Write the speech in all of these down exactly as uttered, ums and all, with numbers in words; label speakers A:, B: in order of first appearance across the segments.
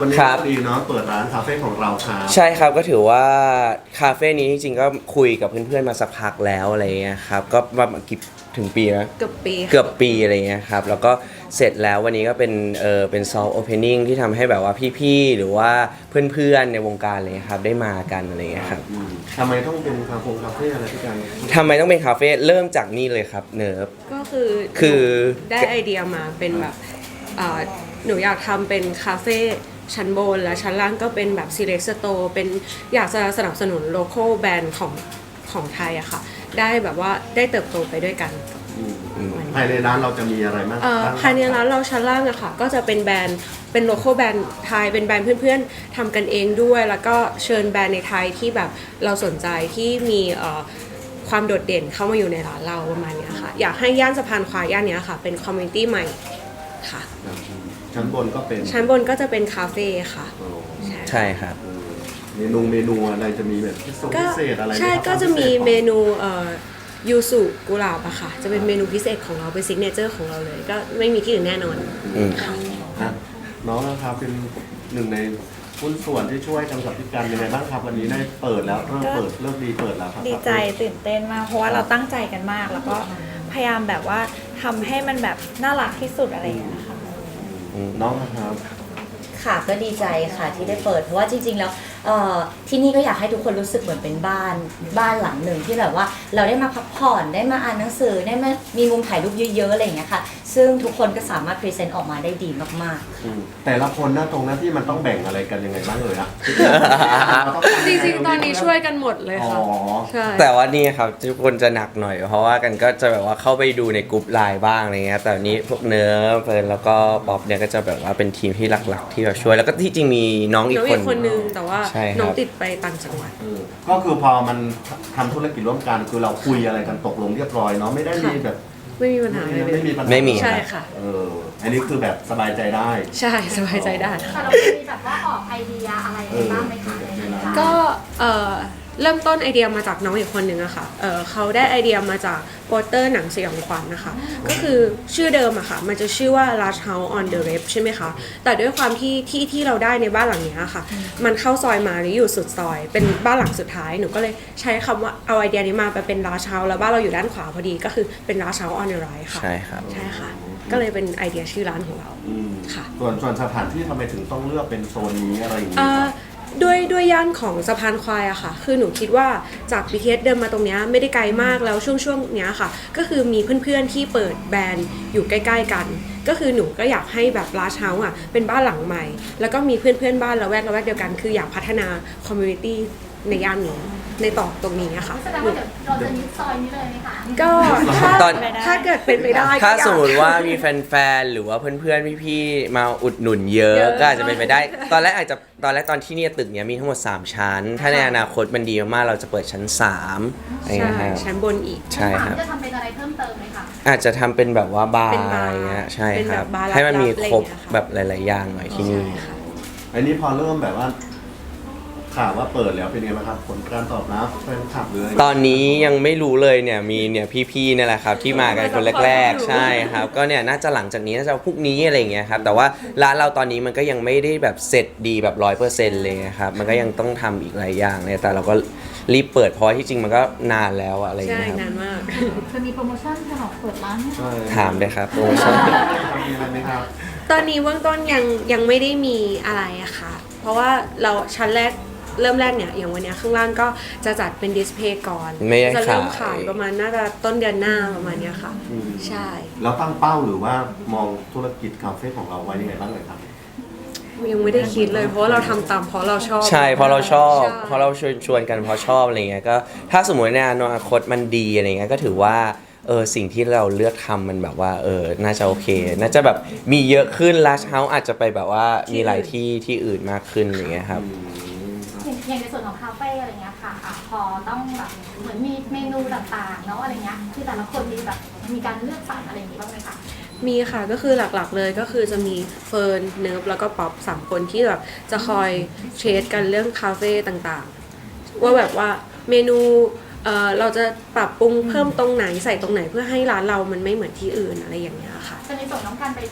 A: วันนี้
B: ครับ
A: ดีเนาะเปิดร้านคาเฟ่ของเราครับ
B: ใช่ครับก็ถือว่าคาเฟ่นี้จริงๆก็คุยกับเพื่อนๆมาสักพักแล้วอะไรเงี้ยครับก็ประมาณกี่ถึงปีนะ
C: เกือบปี
B: เกือบปีอะไรเงี้ยครับแล้วก็เสร็จแล้ววันนี้ก็เป็นเออเป็นซอฟต์โอเพนนิ่งที่ทำให้แบบว่าพี่ๆหรือว่าเพื่อนๆในวงการอะไรเลยครับได้มากันอะไรเงี้ยครับ
A: อืมทำไมต้องเป็นคาเฟ่คาเฟ่อะไรพี่กัน
B: ทำไมต้องเป็นคาเฟ่เริ่มจากนี่เลยครับเนิร์ฟ
C: ก็คือ
B: คือ
C: ได้ไอเดียมาเป็นแบบเอ่อหนูอยากทำเป็นคาเฟ่ชั้นบนและชั้นล่างก็เป็นแบบ select store เป็นอยากจะสนับสนุน local brand ของของไทยอะค่ะได้แบบว่าได้เติบโตไปด้วยกัน
A: อืมอืมภายในร้านเราจะมีอะไรบ้าง
C: เอ่อ
A: บ้าง
C: ภายในร้านเราชั้นล่างอะค่ะก็จะเป็นแบรนด์เป็น local แบรนด์ไทยเป็นแบรนด์เพื่อนๆทำกันเองด้วย แล้วก็เชิญแบรนด์ในไทยที่แบบเราสนใจที่มีเอ่อความโดดเด่นเข้ามาอยู่ในร้านเราประมาณเนี้ยค่ะอยากให้ย่านสะพานควายย่านเนี้ยค่ะเป็นคอมมูนิตี้ใหม่ค่ะ
A: ชั้นบนก็เป็น
C: ชั้นบนก็จะเป็นคาเฟ่ค่ะ
A: โอ้
B: ใช่ครับ
A: เออเมนูเมนูอะไรจะมีแบบพิเศษ
C: ก็
A: พิเศษอะไรไหม
C: ใช่
A: ครับ
C: ก็จะมี
A: พิศษของ
C: เมนูเอ่อยูสุกุหลาบอะค่ะ จะเป็นเมนูพิเศษของเราเป็นซิกเนเจอร์ของเราเลย ก็ไม่มีที่อื่นแน่นอน
B: อืม
A: อ่ะน้องนะครับเป็นหนึ่งในหุ้นส่วนที่ช่วยกันกับพี่กันยังไงบ้างครับวันนี้ได้เปิดแล้วเริ่มเปิดเริ่มดีเปิดแล้วครับ
D: ดีใจตื่นเต้นมากเพราะว่าเราตั้งใจกันมาก แล้วก็พยายามแบบว่าทำให้มันแบบน่ารักที่สุดอะไรอย่างเงี้ยค่ะ
A: น้องนะครับ
E: ค่ะก็ดีใจค่ะที่ได้เปิดเพราะว่าจริงๆแล้วเอ่อที่นี่ก็อยากให้ทุกคนรู้สึกเหมือนเป็นบ้านบ้านหลังหนึ่งที่แบบว่าเราได้มาพักผ่อนได้มาอ่านหนังสือได้มามีมุมถ่ายรูปเยอะๆอะไรอย่างเงี้ยค่ะซึ่งทุกคนก็สามารถพรีเซนต์ออกมาได้ดีมากๆ
A: อืมแต่ละคนหน้าตรงหน้าที่มันต้องแบ่งอะไรกันยังไงบ้างเลยอะ
C: จริงๆ ตอนนี้ช่วยกันหมดเลย
A: อ๋อ
C: ค่ะ ใช่
B: แต่ว่านี่ครับทุกคนจะหนักหน่อย เพราะว่ากันก็จะแบบว่าเข้าไปดูในกลุ่มไลน์บ้างอะไรเงี้ยแต่วันนี้พวกเนื้อเฟิร์นแล้วก็ป๊อปเนี่ยก็จะแบบว่าเป็นทีมที่หลักๆ ที่แบบช่วยแล้วก็ที่จริงมีน้องอี
C: น้
B: ก
C: อง
B: ค
C: อี
B: น
C: กคนนึงแต่ว่า
B: ใช่ครับ
C: น้องติดไปต่างจังหวัด
A: เออก็คือพอมันทำธุรกิจร่วมกันคือเราคุยอะไรกันตกลงเรียบร้อยเนาะไม่ได้มีแบบ
C: ไม่มีปัญหาอะไรเล
A: ไม่
C: ย
A: มีปัญหา
B: ไม่มี
C: ใช่ค่ะ
A: เอออันนี้คือแบบสบายใจได้
C: ใช่สบายใจได้ค่ะ
F: แต่เรามีแบบว่าออกไอเดียอะไรไปบ้างไหมคะในร้าน
C: ก็เอ่อเริ่มต้นไอเดียมาจากน้องอีกคนนึงอะค่ะเอ่อเขาได้ไอเดียมาจากโปสเตอร์หนังสยองขวัญนะคะ ก็คือชื่อเดิมอะค่ะมันจะชื่อว่า Large House on the Left ใช่ไหมคะ แต่ด้วยความที่ที่ที่เราได้ในบ้านหลังเนี้ยค่ะ มันเข้าซอยมาหรืออยู่สุดซอย เป็นบ้านหลังสุดท้าย หนูก็เลยใช้คำว่าเอาไอเดียนี้มาไปเป็น Large House แล้วบ้านเราอยู่ด้านขวาพอดีก็คือเป็น Large House on the Right ค่ะ
B: ใช่ครับ
C: ใช่ค่ะ ก็เลยเป็นไอเดียชื่อร้านของเรา
A: อืม
C: ค่ะ
A: ส่วนส่วนสถานที่ทำไมถึงต้องเลือกเป็นโซนนี้อะไรอย่างนี้
C: อ่า
A: ครับ
C: ด้วยด้วยย่านของสะพานควายอะค่ะ คือหนูคิดว่าจาก บี ที เอส เดินมาตรงเนี้ยไม่ได้ไกลมากแล้วช่วงช่วงเนี้ยค่ะ ก็คือมีเพื่อนๆที่เปิดแบรนด์อยู่ใกล้ๆกัน ก็คือหนูก็อยากให้แบบลาชเฮาส์อะเป็นบ้านหลังใหม่ แล้วก็มีเพื่อนๆบ้านละแวกละแวกเดียวกัน คืออยากพัฒนาคอมมูนิตี้ในย่านนี้ในต่อตรงนี้อะค่ะ
F: แสดงว่าเดี๋ยวเราจะยึดซอยนี้เลยไหมคะ
C: ก็ถ้า
B: ตอน
C: ถ้าเกิดเป็นไปได้ก็
B: ถ้า
C: อยก
B: สมมติว่ามีแฟนๆ หรือว่าเพื่อนๆ พี่ๆ มาอุดหนุนเยอะ
C: เยอะ
B: ก็อาจจะเป็นไปได้ ตอนแรกอาจจะตอนแรกตอนที่เนี่ยตึกเนี้ยมีทั้งหมด สาม ชั้น ถ้าในอนาคตมันดีมากๆ เราจะเปิดชั้น สามอะไร
C: ใช่
B: เงี้ยครับ
C: ชั้นบนอีก
B: ใช่ครับ
F: จะทำเป็นอะไรเพิ่มเติมไหมคะ
B: อาจจะทำเป็นแบบว่าบาร์
C: เป็นบาร์
B: อะไรเงี้ยใช่
C: เป็น
B: ค
C: แบ
B: รับ
C: บบาร์
B: ให้มันมี
C: ลับๆ
B: ครบ
C: อะไรเงี้ยค่ะ
B: แบบหลายๆ อย่างหน่อยที่นี่
C: ใช่ค่ะ
A: อันนี้พอเริ่มแบบว่าข่าวว่าเปิดแล้วเป็นไงบ้างครับผลการตอบรับแฟนคลับหรืออะไร
B: ตอนนี้ยังไม่รู้เลยเนี่ยมีเนี่ยพี่ๆเนี่ยแหละครับที่มากันคนแรกๆ ใช่ครับ ก็เนี่ยน่าจะหลังจากนี้น่าจะพรุ่งนี้อะไรอย่างเงี้ยครับแต่ว่าร้านเราตอนนี้มันก็ยังไม่ได้แบบเสร็จดีแบบร้อยเปอร์เซ็นต์เลยครับมันก็ยังต้องทำอีกหลายอย่างเลยแต่เราก็รีบเปิดเพราะว่าที่จริงมันก็นานแล้วอะอะไรอย่าง
C: ใช่
B: เงี้ยครับ
C: นานมาก
F: จะมีโปรโมชั่นสำหรับเปิดร้านไหม
A: ใช่
B: ถามเลยครับโปรโมชั่น
A: มีอะไรไหมครับ
C: ตอนนี้เบื้องต้นยังยังไม่ได้มีอะไรอะค่ะ เพราะว่าเราชั้นแรกเริ่มแรกเนี่ยอย่างวันเนี้ยข้างล่างก็จะจัดเป็นดิสเพลย์ก่อน
B: ไม่ได้
C: จะเริ่ม
B: ขาย
C: ขายประมาณน่าจะต้นเดือนหน้าประมาณเนี้ยค่ะ
A: อืม
C: ใช่
A: แล้วตั้งเป้าหรือว่ามองธุรกิจคาเฟ่ของเราไว้ยังไงบ้างเลยครับ
C: ยังไม่ได้คิดเลย เพราะว่าเราทำตามเพราะเราชอบ
B: ใช่เพราะเราชอบ
C: ใช่
B: เพราะเราชวนชวนกันเพราะชอบอะไรเงี้ยก็ถ้าสมมติในอนาคตมันดีอะไรเงี้ยก็ถือว่าเออสิ่งที่เราเลือกทำมันแบบว่าเออน่าจะโอเค น่าจะแบบมีเยอะขึ้นลัชเฮาส์อาจจะไปแบบว่ามีหลายที่ที่อื่นมากขึ้นอย่างเงี้ยครับ
F: อย่างอย่างในส่วนของคาเฟ่อะไรเงี้ยค่ะอ่ะพอต้องแบบเหมือนมีเมนูต่างๆเนาะอะไรเงี้ยคือแต่ละคนมีแบบมีการเลือกสรรอะไรอย่างงี้บ้างไหมคะ
C: มีค่ะก็คือหลักๆเลยก็คือจะมีเฟิร์นเนิร์ฟแล้วก็ป๊อปสามคนที่แบบจะคอยเทรดกันเรื่องคาเฟ่ต่างๆ ว่าแบบว่าเมนูเอ่อเราจะปรับปรุงเพิ่มตรงไหนใส่ตรงไหนเพื่อให้ร้านเรามันไม่เหมือนที่อื่นอะไรอย่างเงี้ยค่ะ
F: จะในส่วนของการไปแบบ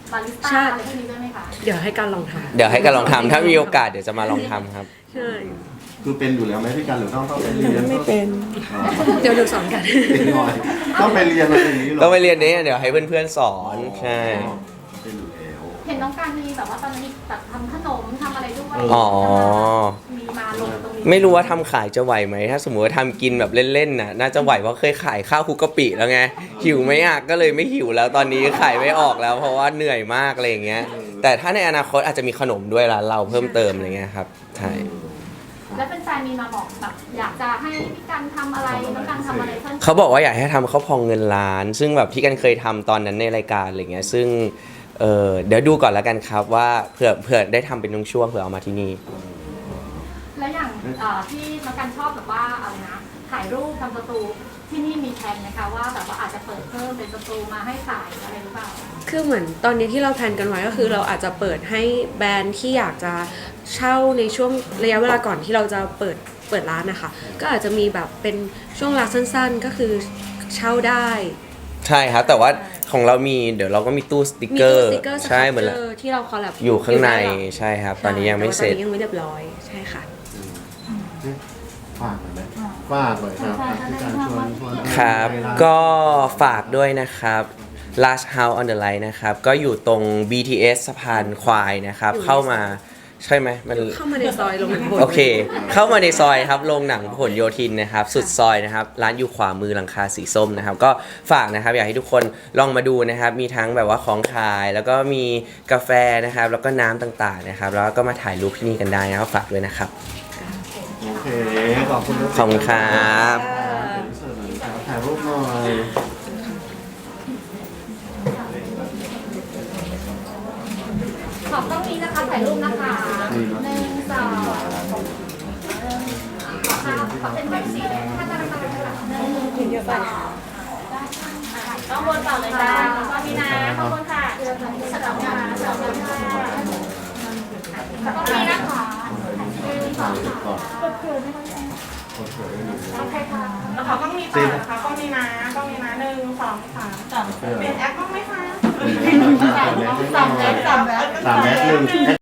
F: บาริส
C: ใช่
F: ต้าอะไรพวกนี้ด้วยไหมคะ
C: เดี๋ยวให้การลองท
B: เดี๋ยวให้กันลองทำถ้ามีโอกาสเดี๋ยวจะมาลองทำครับ
C: ำใช่
A: คือเป็นอยู่แล้วไหมพี่กันหรือต้องต้องไปเรียนไม่เป็น
C: เดี๋ยวหนูสอนกัน
A: ต้องไปเรียนอะไรอย่างนี้หรอ
B: ก็ไปเรียนนี้เดี๋ยวให้เพื่อนๆสอนใช่
A: เป็นอยู่แล้ว
F: เห็นน้องการมีแบบว่าตอนนี้แบบทำขนมทำอะไรด้วย
B: อ๋อ
F: มีมาลงตรงนี้
B: ไม่รู้ว่าทำขายจะไหวไหมถ้าสมมติว่าทำกินแบบเล่นๆน่ะน่าจะไหวเพราะเคยขายข้าวคลุกกะปิแล้วไงหิวไหมอ่ะก็เลยไม่หิวแล้วตอนนี้ขายไม่ออกแล้ว เพราะว่าเหนื่อยมากอะไรอย่างเงี้ยแต่ถ้าในอนาคตอาจจะมีขนมด้วยร้านเราเพิ่มเติมอะไรเงี้ยครับใช่
F: แล้วเป็นแฟนมีมาบอกแบบอยากจะให้พี่กันทำอะไรน้องกันทำอะไรเพิ่ม
B: เขาบอกว่าอยากให้ทำข้าวพองเงินล้าน ซึ่งแบบที่กันเคยทำตอนนั้นในรายการอะไรเงี้ยซึ่งเออเดี๋ยวดูก่อนแล้วกันครับว่าเผื่อเผื่อได้ทำเป็นช่วงๆเผื่อเอามาที่นี่
F: แล้วอย่างเอ่อที่น้องกันชอบแบบว่าอะไรนะถ่ายรูปทำสตูที่นี่มีแผนไหมคะว่าแบบว่าอาจจะเปิดเพิ่มเป็นสตูมาให้ถ่ายอะไรหรือเปล่า
C: คือเหมือนตอนนี้ที่เราแพลนกันไว้ก็คือเราอาจจะเปิดให้แบรนด์ที่อยากจะเช่าในช่วงระยะเวลาก่อนที่เราจะเปิดเปิดร้านนะคะก็อาจจะมีแบบเป็นช่วงเวลาสั้นๆก็คือเช่าได้
B: ใช่ครับแต่ว่าของเรามีเดี๋ยวเราก็มีตู้สติก
C: มี
B: เกอ
C: ตู้
B: ร์
C: สติกเกอร์ส
B: ใช่
C: ครับ
B: เหมือน
C: เจอที่เราคอลแลบ
B: อยู่ข้างใน
C: ด้หลั
B: ใช่ครับ ตอนนี้ยังไม่เสร็จ
C: แต่ว่าตอนนี้ยังไม่เรียบร้อยใช่ค่ะ
A: ฝากหน่อยไหมฝากหน่อยครับพี่กันชวนชวน
B: ครับ
A: ไปาน
B: ก็ฝากด้วยนะครับ Last House on the Line นะครับ ก็อยู่ตรง บี ที เอส สะพานควายนะครับ
C: อยู่ใน
B: เข้ามาใช่ไหมมัน
C: เข้ามาในซอยลงหนัง
B: โอเค เข้ามาในซอยครับโรงหนังผลโยธินนะครับ สุดซอยนะครับ ร้านอยู่ขวามือหลังคาสีส้มนะครับ ก็ฝากนะครับ อยากให้ทุกคนลองมาดูนะครับ มีทั้งแบบว่าของขาย แล้วก็มีกาแฟนะครับ แล้วก็น้ำต่างๆนะครับ แล้วก็มาถ่ายรูปที่นี่กันได้นะครับ ฝากด้วยนะครับ
A: โอเค ขอบคุณนะ
B: ขอบคุณครับ
A: เป็นเสิร์ฟหน่อยครับถ่ายรูปหน่อย
F: ขอบต้องนี้นะคะถ่ายรูปนะคะหนึ่งสองขอค่ะขอเป็นแบบสีแดงค่ะตาตาหนึ่งเยอะไปต้องวนต่อเลยจ้าขอบคุณนะขอบคุณค่ะสลับมาสลับมาต้องมีนะคะหนึ่งสองสามโอเคค่ะ
G: แล้วเขาต้องมีต่อนะคะต้องมีนะต้องมีนะหนึ่งสองสามเปลี่ยนแอปบ้างไหมคะ
A: สามแมสสามแมสสามแมสหนึ่ง